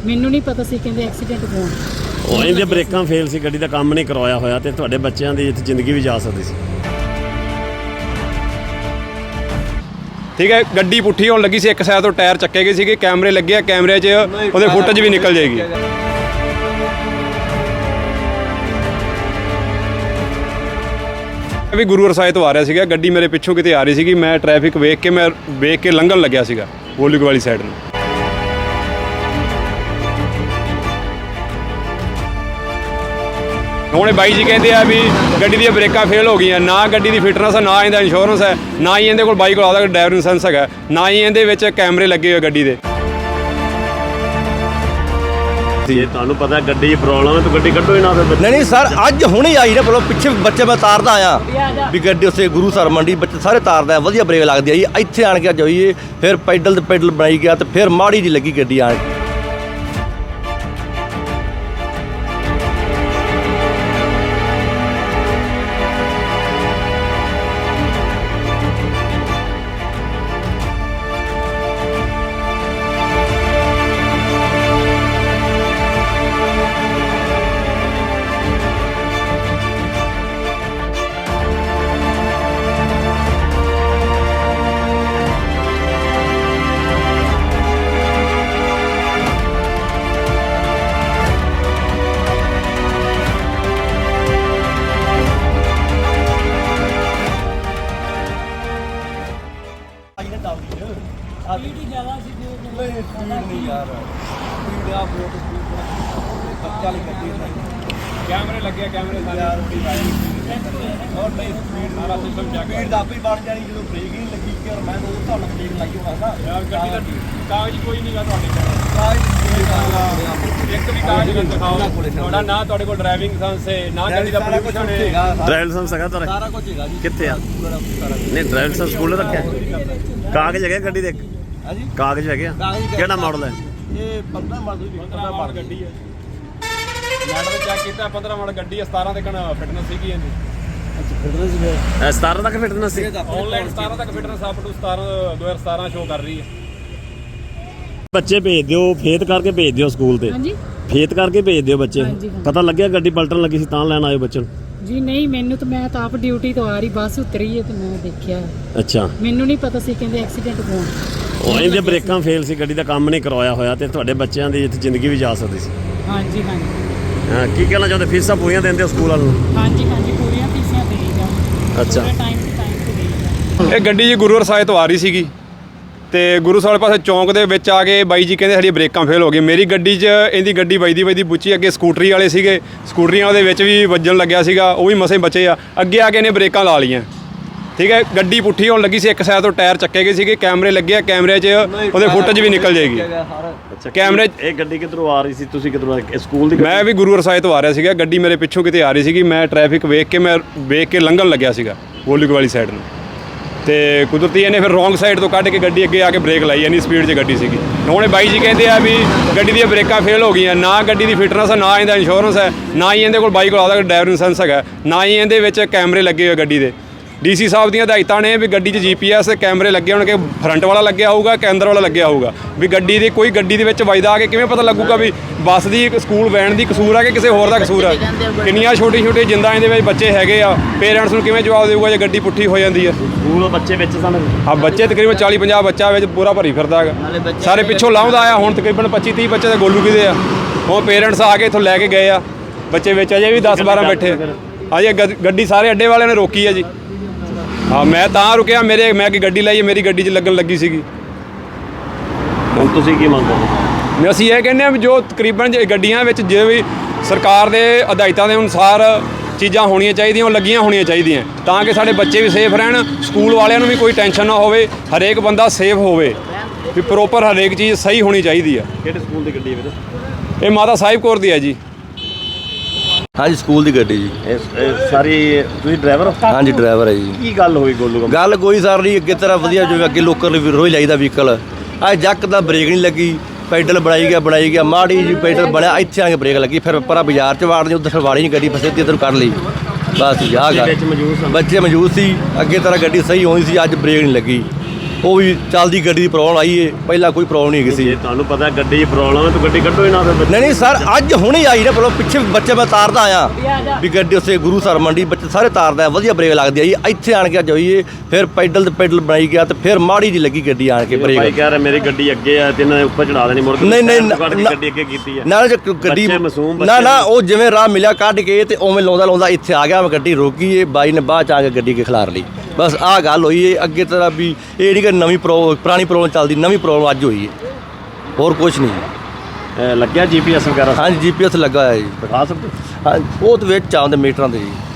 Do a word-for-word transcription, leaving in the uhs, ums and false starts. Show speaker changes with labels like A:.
A: ਮੈਨੂੰ ਨਹੀਂ ਪਤਾ ਸੀ ਕਹਿੰਦੇ ਐਕਸੀਡੈਂਟ ਹੋਣ।
B: ਉਹ ਇਹਦੇ ਬ੍ਰੇਕਾਂ ਫੇਲ ਸੀ, ਗੱਡੀ ਦਾ ਕੰਮ ਨਹੀਂ ਕਰਵਾਇਆ ਹੋਇਆ ਤੇ ਤੁਹਾਡੇ ਬੱਚਿਆਂ ਦੀ ਇੱਥੇ ਜ਼ਿੰਦਗੀ ਵੀ ਜਾ ਸਕਦੀ ਸੀ।
C: ਠੀਕ ਹੈ, ਗੱਡੀ ਪੁੱਠੀ ਹੋਣ ਲੱਗੀ ਸੀ, ਇੱਕ ਸਾਈਡ ਤੋਂ ਟਾਇਰ ਚੱਕੇ ਗਏ ਸੀਗੇ, ਕੈਮਰੇ ਲੱਗੇ ਆ, ਕੈਮਰੇ 'ਚ ਉਹਦੇ ਫੁਟੇਜ ਵੀ ਨਿਕਲ ਜਾਏਗੀ। ਵੀ ਗੁਰੂ ਰਸਾਏ ਤੋਂ ਆ ਰਿਹਾ ਸੀਗਾ, ਗੱਡੀ ਮੇਰੇ ਪਿੱਛੋਂ ਕਿਤੇ ਆ ਰਹੀ ਸੀਗੀ, ਮੈਂ ਟ੍ਰੈਫਿਕ ਵੇਖ ਕੇ ਮੈਂ ਵੇਖ ਕੇ ਲੰਘਣ ਲੱਗਿਆ ਸੀਗਾ ਗੋਲੂਕ ਵਾਲੀ ਸਾਈਡ ਨੂੰ। ਹੁਣ ਬਾਈ ਜੀ ਕਹਿੰਦੇ ਆ ਵੀ ਗੱਡੀ ਦੀਆਂ ਬ੍ਰੇਕਾਂ ਫੇਲ ਹੋ ਗਈਆਂ, ਨਾ ਗੱਡੀ ਦੀ ਫਿਟਨੈਸ ਹੈ, ਨਾ ਇਹਦਾ ਇੰਸ਼ੋਰੈਂਸ ਹੈ, ਨਾ ਹੀ ਇਹਦੇ ਕੋਲ ਬਾਈ ਕੋਲ ਆਦਾ ਡਰਾਈਵਰ ਲਾਇਸੈਂਸ ਹੈਗਾ, ਨਾ ਹੀ ਇਹਦੇ ਵਿੱਚ ਕੈਮਰੇ ਲੱਗੇ ਹੋਏ ਗੱਡੀ ਦੇ।
B: ਜੇ ਤੁਹਾਨੂੰ ਪਤਾ ਗੱਡੀ 'ਚ ਪ੍ਰੋਬਲਮ ਹੈ ਤਾਂ ਗੱਡੀ ਕੱਢੋ ਹੀ ਨਾ। ਫਿਰ
D: ਨਹੀਂ ਨਹੀਂ ਸਰ, ਅੱਜ ਹੁਣੇ ਆਈ ਨਾ ਬੋਲੋ, ਪਿੱਛੇ ਬੱਚੇ ਮੈਂ ਤਾਰਦਾ ਆਇਆ ਵੀ ਗੱਡੀ ਉੱਥੇ ਗੁਰੂ ਸਰ ਮੰਡੀ ਬੱਚੇ ਸਾਰੇ ਤਾਰਦਾ, ਵਧੀਆ ਬ੍ਰੇਕ ਲੱਗਦੀ ਆ ਜੀ। ਇੱਥੇ ਆਣ ਕੇ ਜਾਈਏ ਫਿਰ ਪੈਡਲ ਤੇ ਪੈਡਲ ਬਣਾਈ ਗਿਆ ਤੇ ਫਿਰ ਮਾੜੀ ਜੀ ਲੱਗੀ ਗੱਡੀ ਆਣ ਕੇ।
C: ਕੈਮਰੇ ਲੱਗੇ, ਕੈਮਰੇ ਸਾਰੇ ਔਰ ਨਹੀਂ ਸਾਰਾ ਸਿਸਟਮ ਚੈੱਕ ਸਪੀਡ ਦਾ ਆਪੇ ਬਣ ਜਾਣੀ ਜਦੋਂ ਬ੍ਰੇਕ ਹੀ ਨਹੀਂ ਲੱਗੀ ਕਿ ਮੈਂ ਉਹ ਤੁਹਾਨੂੰ ਬ੍ਰੇਕ ਲਾਈ ਹੋਣਾ ਯਾਰ। ਗੱਡੀ ਦਾ ਕਾਗਜ਼ ਕੋਈ ਨਹੀਂਗਾ ਤੁਹਾਡੇ ਕੋਲ, ਇੱਕ ਵੀ ਕਾਗਜ਼ ਨਾ ਦਿਖਾਓ ਤੁਹਾਡਾ, ਨਾ ਤੁਹਾਡੇ ਕੋਲ ਡਰਾਈਵਿੰਗ ਲਾਇਸੈਂਸ ਹੈ, ਨਾ ਗੱਡੀ ਦਾ ਪੋਲੂਸ਼ਨ ਹੈ।
B: ਡਰਾਈਵਰ ਲਾਇਸੈਂਸ ਹੈਗਾ ਤੁਹਾਡਾ?
D: ਸਾਰਾ ਕੁਝ ਹੈਗਾ ਜੀ।
B: ਕਿੱਥੇ ਆ? ਨਹੀਂ ਡਰਾਈਵਰ ਲਾਇਸੈਂਸ ਸਕੂਲ ਰੱਖਿਆ, ਕਾਗਜ਼ ਹੈਗੇ ਗੱਡੀ ਦੇ?
D: ਹਾਂਜੀ
B: ਕਾਗਜ਼ ਹੈਗੇ ਆ? ਕਿਹੜਾ ਮਾਡਲ ਹੈ
D: ਇਹ? ਪੰਦਰਾਂ ਮਾਡਲ ਦੀ
C: ਪੰਦਰਾਂ ਮਾਡਲ ਗੱਡੀ ਹੈ, ਮੈਡਲ ਚੈੱਕ ਕੀਤਾ, ਪੰਦਰਾਂ ਮਾਡਲ ਗੱਡੀ ਹੈ, ਸਤਾਰਾਂ ਤੱਕ ਫਿਟਨੈਸ ਸੀਗੀ ਇਹਦੀ।
B: ਇਹ ਸਤਾਰਾਂ ਤੱਕ ਫਿਟਨੈਸ ਸੀ?
C: ਆਨਲਾਈਨ ਸਤਾਰਾਂ ਤੱਕ ਫਿਟਨੈਸ ਅਪ ਟੂ ਸਤਾਰਾਂ ਦੋ ਹਜ਼ਾਰ ਸਤਾਰਾਂ ਸ਼ੋ ਕਰ ਰਹੀ ਹੈ।
B: ਬੱਚੇ ਭੇਜ ਦਿਓ, ਫੇਤ ਕਰਕੇ ਭੇਜ ਦਿਓ ਸਕੂਲ ਤੇ।
A: ਹਾਂਜੀ
B: ਫੇਤ ਕਰਕੇ ਭੇਜ ਦਿਓ ਬੱਚੇ।
A: ਹਾਂਜੀ, ਹਾਂਜੀ।
B: ਪਤਾ ਲੱਗਿਆ ਗੱਡੀ ਪਲਟਣ ਲੱਗੀ ਸੀ ਤਾਂ ਲੈਣ ਆਇਓ ਬੱਚੇ ਨੂੰ?
A: ਜੀ ਨਹੀਂ, ਮੈਨੂੰ ਤਾਂ ਮੈਂ ਤਾਂ ਆਪ ਡਿਊਟੀ ਤੋਂ ਆ ਰਹੀ, ਬੱਸ ਉਤਰੀ ਹੈ ਤੇ ਮੈਂ ਦੇਖਿਆ।
B: ਅੱਛਾ,
A: ਮੈਨੂੰ ਨਹੀਂ ਪਤਾ ਸੀ ਕਹਿੰਦੇ ਐਕਸੀਡੈਂਟ ਹੋਣ।
B: ਉਹ ਇਹਦੇ ਬ੍ਰੇਕਾਂ ਫੇਲ ਸੀ, ਗੱਡੀ ਦਾ ਕੰਮ ਨਹੀਂ ਕਰਵਾਇਆ ਹੋਇਆ ਤੇ ਤੁਹਾਡੇ ਬੱਚਿਆਂ ਦੀ ਇੱਥੇ ਜ਼ਿੰਦਗੀ ਵੀ ਜਾ ਸਕਦੀ ਸੀ।
A: ਹਾਂਜੀ ਹਾਂਜੀ
B: ਹਾਂ, ਕੀ ਕਹਿਣਾ ਚਾਹੁੰਦੇ? ਫੀਸਾਂ ਪੂਰੀਆਂ ਦਿੰਦੇ ਹੋ ਸਕੂਲ ਵਾਲਿਆਂ ਨੂੰ?
A: ਹਾਂਜੀ ਹਾਂਜੀ ਪੂਰੀਆਂ ਫੀਸਾਂ ਦੇਈ ਜਾ।
B: ਅੱਛਾ।
A: ਟਾਈਮ ਟੂ ਟਾਈਮ ਤੇ ਦੇਈ ਜਾ।
C: ਇਹ ਗੱਡੀ ਜੀ ਗੁਰੂ ਰਸਾਏ ਤੋਂ ਆ ਰਹੀ ਸੀਗੀ ਤੇ ਗੁਰੂ ਸਾਹਿਬ ਪਾਸੇ ਚੌਂਕ ਦੇ ਵਿੱਚ ਆ ਕੇ ਬਾਈ ਜੀ ਕਹਿੰਦੇ ਸਾਡੀਆਂ ਬ੍ਰੇਕਾਂ ਫੇਲ ਹੋ ਗਈਆਂ। ਮੇਰੀ ਗੱਡੀ 'ਚ ਇਹਦੀ ਗੱਡੀ ਵੱਜਦੀ ਵੱਜਦੀ ਪੁੱਛੀ, ਅੱਗੇ ਸਕੂਟਰੀ ਵਾਲੇ ਸੀਗੇ, ਸਕੂਟਰੀਆਂ ਉਹਦੇ ਵਿੱਚ ਵੀ ਵੱਜਣ ਲੱਗਿਆ ਸੀਗਾ, ਉਹ ਵੀ ਮਸੇ ਬਚੇ ਆ। ਅੱਗੇ ਆ ਕੇ ਇਹਨੇ ਬ੍ਰੇਕਾਂ ਲਾ ਲਈਆਂ। ਠੀਕ ਹੈ, ਗੱਡੀ ਪੁੱਠੀ ਹੋਣ ਲੱਗੀ ਸੀ, ਇੱਕ ਸਾਈਡ ਤੋਂ ਟਾਇਰ ਚੱਕੇ ਗਏ ਸੀਗੇ, ਕੈਮਰੇ ਲੱਗੇ ਆ, ਕੈਮਰੇ 'ਚ ਉਹਦੇ ਫੁਟੇਜ ਵੀ ਨਿਕਲ ਜਾਏਗੀ।
B: ਅੱਛਾ,
C: ਕੈਮਰੇ
B: ਇਹ ਗੱਡੀ ਕਿੱਧਰੋਂ ਆ ਰਹੀ ਸੀ? ਤੁਸੀਂ ਕਿੱਧਰੋਂ? ਸਕੂਲ ਦੀ?
C: ਮੈਂ ਵੀ ਗੁਰੂ ਰਸਾਏ ਤੋਂ ਆ ਰਿਹਾ ਸੀਗਾ, ਗੱਡੀ ਮੇਰੇ ਪਿੱਛੋਂ ਕਿਤੇ ਆ ਰਹੀ ਸੀਗੀ, ਮੈਂ ਟ੍ਰੈਫਿਕ ਵੇਖ ਕੇ ਮੈਂ ਵੇਖ ਕੇ ਲੰਘਣ ਲੱਗਿਆ ਸੀਗਾ ਗੋਲੂਕ ਵਾਲੀ ਸਾਈਡ ਨੂੰ, ਤੇ ਕੁਦਰਤੀ ਇਹਨੇ ਫਿਰ ਰੋਂਗ ਸਾਈਡ ਤੋਂ ਕੱਢ ਕੇ ਗੱਡੀ ਅੱਗੇ ਆ ਕੇ ਬ੍ਰੇਕ ਲਾਈ, ਇੰਨੀ ਸਪੀਡ 'ਚ ਗੱਡੀ ਸੀਗੀ। ਹੁਣ ਬਾਈ ਜੀ ਕਹਿੰਦੇ ਆ ਵੀ ਗੱਡੀ ਦੀਆਂ ਬ੍ਰੇਕਾਂ ਫੇਲ ਹੋ ਗਈਆਂ, ਨਾ ਗੱਡੀ ਦੀ ਫਿਟਨੈਸ ਹੈ, ਨਾ ਇਹਦਾ ਇੰਸ਼ੋਰੈਂਸ ਹੈ, ਨਾ ਹੀ ਇਹਦੇ ਕੋਲ ਬਾਈ ਕੋਲ ਆਦਾ ਡਰਾਈਵਰ ਲਾਇਸੈਂਸ ਹੈਗਾ, ਨਾ ਹੀ ਇਹਦੇ ਵਿੱਚ ਕੈਮਰੇ ਲੱਗੇ ਹੋਏ ਗੱਡੀ ਦੇ। ਡੀ ਸੀ ਸਾਹਿਬ ਦੀਆਂ ਹਦਾਇਤਾਂ ਨੇ ਵੀ ਗੱਡੀ 'ਚ ਜੀ ਪੀ ਐਸ ਕੈਮਰੇ ਲੱਗੇ ਹੋਣਗੇ, ਫਰੰਟ ਵਾਲਾ ਲੱਗਿਆ ਹੋਊਗਾ ਕਿ ਅੰਦਰ ਵਾਲਾ ਲੱਗਿਆ ਹੋਊਗਾ, ਵੀ ਗੱਡੀ ਦੀ ਕੋਈ ਗੱਡੀ ਦੇ ਵਿੱਚ ਵੱਜਦਾ ਆ ਕੇ ਕਿਵੇਂ ਪਤਾ ਲੱਗੂਗਾ ਵੀ ਬੱਸ ਦੀ ਸਕੂਲ ਵੈਨ ਦੀ ਕਸੂਰ ਆ ਕਿ ਕਿਸੇ ਹੋਰ ਦਾ ਕਸੂਰ ਆ। ਕਿੰਨੀਆਂ ਛੋਟੀ ਛੋਟੀ ਜਿੰਦਾਂ ਇਹਦੇ ਵਿੱਚ ਬੱਚੇ ਹੈਗੇ ਆ, ਪੇਰੈਂਟਸ ਨੂੰ ਕਿਵੇਂ ਜਵਾਬ ਦੇਊਗਾ ਜੇ ਗੱਡੀ ਪੁੱਠੀ ਹੋ ਜਾਂਦੀ ਹੈ?
B: ਸਕੂਲ ਬੱਚੇ ਵਿੱਚ ਸਨ?
C: ਆ ਬੱਚੇ ਤਕਰੀਬਨ ਚਾਲੀ ਪੰਜਾਹ ਬੱਚਾ ਵਿੱਚ ਪੂਰਾ ਭਰੀ ਫਿਰਦਾ ਹੈਗਾ, ਸਾਰੇ ਪਿੱਛੋਂ ਲਾਉਂਦਾ ਆਇਆ। ਹੁਣ ਤਕਰੀਬਨ ਪੱਚੀ ਤੀਹ ਬੱਚੇ ਤਾਂ ਗੋਲੂ ਕਿਦੇ ਆ, ਹੁਣ ਪੇਰੈਂਟਸ ਆ ਕੇ ਇੱਥੋਂ ਲੈ ਕੇ ਗਏ ਆ ਬੱਚੇ ਵਿੱਚ, ਅਜੇ ਵੀ ਦਸ ਬਾਰਾਂ ਬੈਠੇ। ਅਜੇ ਗੱਡੀ ਸਾਰੇ ਅੱਡੇ ਵਾਲਿਆਂ ਨੇ ਰੋਕੀ ਹੈ ਜੀ। ਹਾਂ, ਮੈਂ ਤਾਂ ਰੁਕਿਆ, ਮੇਰੇ ਮੈਂ ਕਿ ਗੱਡੀ ਲਾਈ ਮੇਰੀ ਗੱਡੀ 'ਚ ਲੱਗਣ ਲੱਗੀ ਸੀਗੀ।
B: ਹੁਣ ਤੁਸੀਂ ਕੀ ਮੰਗ ਕਰਦੇ?
C: ਅਸੀਂ ਇਹ ਕਹਿੰਦੇ ਹਾਂ ਵੀ ਜੋ ਤਕਰੀਬਨ ਗੱਡੀਆਂ ਵਿੱਚ ਜੇ ਵੀ ਸਰਕਾਰ ਦੇ ਹਦਾਇਤਾਂ ਦੇ ਅਨੁਸਾਰ ਚੀਜ਼ਾਂ ਹੋਣੀਆਂ ਚਾਹੀਦੀਆਂ, ਉਹ ਲੱਗੀਆਂ ਹੋਣੀਆਂ ਚਾਹੀਦੀਆਂ, ਤਾਂ ਕਿ ਸਾਡੇ ਬੱਚੇ ਵੀ ਸੇਫ ਰਹਿਣ, ਸਕੂਲ ਵਾਲਿਆਂ ਨੂੰ ਵੀ ਕੋਈ ਟੈਨਸ਼ਨ ਨਾ ਹੋਵੇ, ਹਰੇਕ ਬੰਦਾ ਸੇਫ ਹੋਵੇ, ਵੀ ਪ੍ਰੋਪਰ ਹਰੇਕ ਚੀਜ਼ ਸਹੀ ਹੋਣੀ ਚਾਹੀਦੀ ਆ।
B: ਕਿਹੜੇ ਸਕੂਲ ਦੀ ਗੱਡੀ ਹੈ ਵੀਰੇ?
C: ਇਹ ਮਾਤਾ ਸਾਹਿਬ ਕੌਰ ਦੀ ਹੈ ਜੀ।
D: ਹਾਂਜੀ ਸਕੂਲ ਦੀ ਗੱਡੀ ਜੀ।
B: ਇਹ ਸਾਰੀ ਤੁਸੀਂ ਡਰਾਈਵਰ?
D: ਹਾਂਜੀ ਡਰਾਈਵਰ ਹੈ ਜੀ।
B: ਕੀ ਗੱਲ ਹੋਈ ਗੋਲੂ?
D: ਗੱਲ ਕੋਈ ਸਰ ਨਹੀਂ, ਅੱਗੇ ਤਰ੍ਹਾਂ ਵਧੀਆ ਜਿਵੇਂ ਅੱਗੇ ਲੋਕਲ ਰੋਜ਼ ਲਾਈਦਾ ਵਹੀਕਲ, ਅੱਜ ਜੱਕ ਦਾ ਬ੍ਰੇਕ ਨਹੀਂ ਲੱਗੀ, ਪੈਡਲ ਬਣਾਈ ਗਿਆ ਬਣਾਈ ਗਿਆ ਮਾੜੀ ਜੀ ਪੈਡਲ ਬਣਿਆ, ਇੱਥੇ ਆ ਕੇ ਬ੍ਰੇਕ ਲੱਗੀ, ਫਿਰ ਪਰਾਂ ਬਾਜ਼ਾਰ 'ਚ ਵਾੜਨੀ, ਉੱਧਰ ਫਿਰ ਵਾੜੀ ਨਹੀਂ ਗੱਡੀ, ਫਸੇ ਇੱਧਰ ਕੱਢ ਲਈ ਬਸ। ਆਹ ਗੱਲ ਬੱਚੇ ਮੌਜੂਦ ਸੀ, ਅੱਗੇ ਤਰ੍ਹਾਂ ਗੱਡੀ ਸਹੀ ਹੋਣੀ ਸੀ, ਅੱਜ ਬ੍ਰੇਕ ਨਹੀਂ ਲੱਗੀ। ਉਹ ਵੀ ਚੱਲਦੀ ਗੱਡੀ ਦੀ ਪ੍ਰੋਬਲਮ ਆਈ ਏ, ਪਹਿਲਾਂ ਕੋਈ ਪ੍ਰੋਬਲਮ ਨਹੀਂ ਹੈਗੀ ਸੀ।
B: ਜੇ ਤੁਹਾਨੂੰ ਪਤਾ ਗੱਡੀ 'ਚ ਪ੍ਰੋਬਲਮ ਹੈ ਤਾਂ ਗੱਡੀ ਕੱਢੋ ਹੀ ਨਾ ਫਿਰ।
D: ਨਹੀਂ ਨਹੀਂ ਸਰ, ਅੱਜ ਹੁਣੇ ਆਈ ਨਾ, ਪਹਿਲਾਂ ਪਿੱਛੇ ਬੱਚੇ ਮੈਂ ਤਾਰਦਾ ਆਇਆ ਵੀ ਗੱਡੀ ਉੱਥੇ ਗੁਰੂ ਸਰ ਮੰਡੀ ਬੱਚੇ ਸਾਰੇ ਤਾਰਦਾ, ਵਧੀਆ ਬ੍ਰੇਕ ਲੱਗਦੀ ਆਈ। ਇੱਥੇ ਆਣ ਕੇ ਜਾਈਏ ਫਿਰ ਪੈਡਲ ਤੇ ਪੈਡਲ ਬਣਾਈ ਗਿਆ ਤੇ ਫਿਰ ਮਾੜੀ ਜੀ ਲੱਗੀ ਗੱਡੀ ਆਣ ਕੇ
B: ਭਾਈ
D: ਬ੍ਰੇਕ।
B: ਕਹਿ ਰਿਹਾ ਮੇਰੀ ਗੱਡੀ ਅੱਗੇ ਆ ਤੇ ਇਹਨਾਂ ਨੇ ਉੱਪਰ ਚੜਾ ਦੇਣੀ ਮੁੜ ਕੇ।
D: ਨਹੀਂ ਨਹੀਂ
B: ਕੱਢ ਕੇ
D: ਨਾ-
B: ਗੱਡੀ ਅੱਗੇ ਕੀਤੀ ਆ
D: ਨਾਲ ਜੇ ਗੱਡੀ
B: ਬੱਚੇ ਮਾਸੂਮ
D: ਨਾ ਨਾ
B: ਬੱਚੇ
D: ਉਹ ਜਿਵੇਂ ਰਾਹ ਮਿਲਿਆ ਕੱਢ ਕੇ ਤੇ ਉਵੇਂ ਲਾਉਂਦਾ ਲਾਉਂਦਾ ਇੱਥੇ ਆ ਗਿਆ, ਮੈਂ ਗੱਡੀ ਰੋਕੀ ਏ, ਬਾਈ ਨੇ ਬਾਅਦ ਚ ਆ ਕੇ ਗੱਡੀ ਕੇ ਖਿਲਾਰ ਲਈ। ਬਸ ਆਹ ਗੱਲ ਹੋਈ ਏ। ਅੱਗੇ ਤਰ੍ਹਾਂ ਵੀ ਇਹ ਨਹੀਂ ਕਿ ਨਵੀਂ ਪ੍ਰੋ ਪੁਰਾਣੀ ਪ੍ਰੋਬਲਮ ਚੱਲਦੀ, ਨਵੀਂ ਪ੍ਰੋਬਲਮ ਅੱਜ ਹੋਈ ਏ, ਹੋਰ ਕੁਝ ਨਹੀਂ।
B: ਇਹ ਲੱਗਿਆ ਜੀਪੀਐਸ ਵਗੈਰਾ
D: ਹਾਂਜੀ ਜੀ ਪੀ ਐਸ ਲੱਗਾ ਹੋਇਆ ਜੀ।
B: ਦਿਖਾ ਸਕਦੇ?
D: ਹਾਂ ਉਹ ਤੇ ਵਿੱਚ ਆਉਂਦੇ ਮੀਟਰਾਂ ਦੇ ਜੀ।